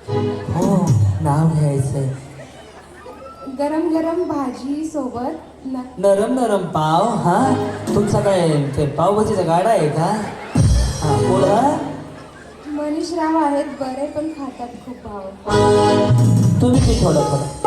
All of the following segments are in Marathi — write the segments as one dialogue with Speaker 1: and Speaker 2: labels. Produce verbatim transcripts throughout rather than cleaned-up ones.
Speaker 1: हो, नाव घ्यायचंय.
Speaker 2: गरम गरम भाजी सोबत न
Speaker 1: नरम नरम पाव. हा, तुमचा काय ते पावभाजीचा गाडा आहे का? हा, बोला.
Speaker 2: मनीषराव आहेत बरे पण खातात खूप भाव.
Speaker 1: तुम्ही बी थोडं थोडं.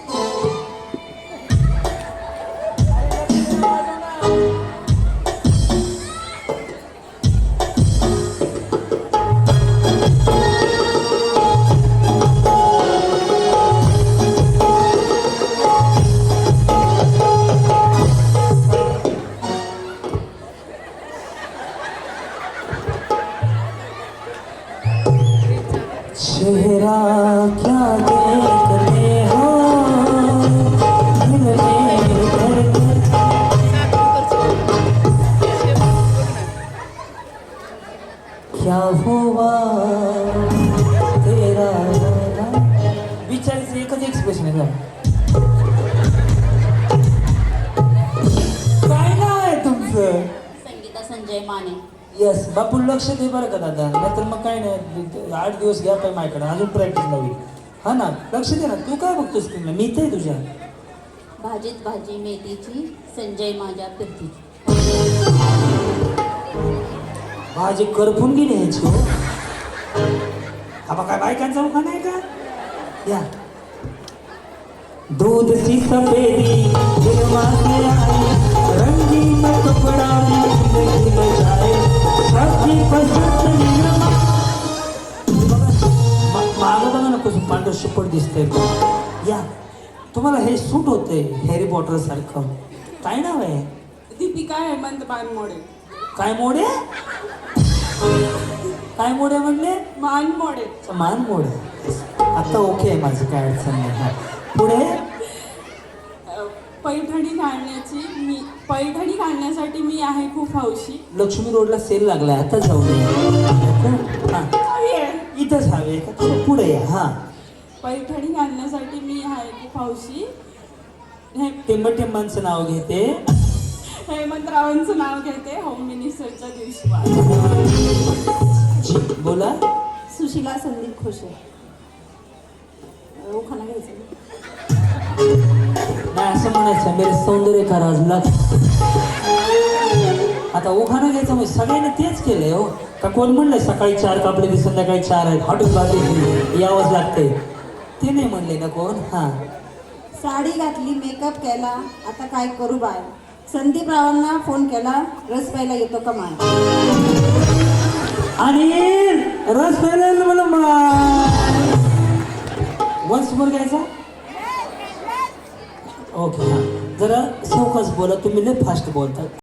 Speaker 1: चेहरा क्या देखते हो दिल में धड़कन. क्या हुआ तेरा वाला. विचारायचं एकच एक्सप्रेशन आहे का? काय नाव आहे तुमचं?
Speaker 3: संगीता संजय माने.
Speaker 1: येस बापू, लक्ष दे बरं का दादा, नाहीतर मग काय नाही, आठ दिवस घ्या पाय माझ्याकडे, अजून प्रॅक्टिस लावी. हा ना, लक्ष दे ना. तू काय बघतोस की मी इथे तुझ्या
Speaker 3: भाजीत भाजी मेथीची संजय माझ्या फिरतीची.
Speaker 1: भाजी करपून गेली ह्याची. हो, हा बा काय बायकांचा उखाणा आहे का? या दूध सी सफेदी दिलवा से आई रंगीन कपड़ा भी जिंदगी में जाए सबकी पसंद निरमा. मागं बघा ना कसं पांढर शिपट दिसतंय. या, तुम्हाला हे सूट होतंय हॅरी पॉटर सारखं. काय नाव आहे?
Speaker 4: दीपिका हेमंत बानमोडे.
Speaker 1: काय मोडे? काय मोडे म्हणले?
Speaker 4: मानमोडे.
Speaker 1: मान मोडे. आता ओके आहे माझं, काय अडचण नाही. हा, पुढे.
Speaker 4: पैठणी घालण्याची मी पैठणी घालण्यासाठी मी आहे खूप हौशी.
Speaker 1: लक्ष्मी रोडला सेल लागलाय, आता जाऊ नये. हा, इथंच हवे का? थोडं पुढे या. हा,
Speaker 4: पैठणी घालण्यासाठी मी आहे खूप हौशी. हे
Speaker 1: टेंब टेंबांचं नाव घेते.
Speaker 4: हेमंतरावांचं नाव घेते होम मिनिस्टरच्या दिवशी.
Speaker 1: जी, बोला.
Speaker 3: सुशिला संदीप खोशे. उखाणा घ्यायचं.
Speaker 1: नाही असं म्हणायचं, मेरे सौंदर्य का राज लाग. आता उखाणा घ्यायचं म्हणजे सगळ्यांनी तेच केलंय. हो का कोण म्हणलंय सकाळी चार कापले ते संध्याकाळी चार आहेत, हॉटेल बाकी यावंच लागतंय, ते नाही म्हणले ना कोण. हा,
Speaker 3: साडी घातली मेकअप केला आता काय करू बाय. संदीप रावांना फोन केला रस प्यायला येतो का माय.
Speaker 1: आणि रस प्यायला मला वन्स मोर घ्यायचा. ओके, हां, जरा सावकाश बोला, तुम्ही लय फास्ट बोलता.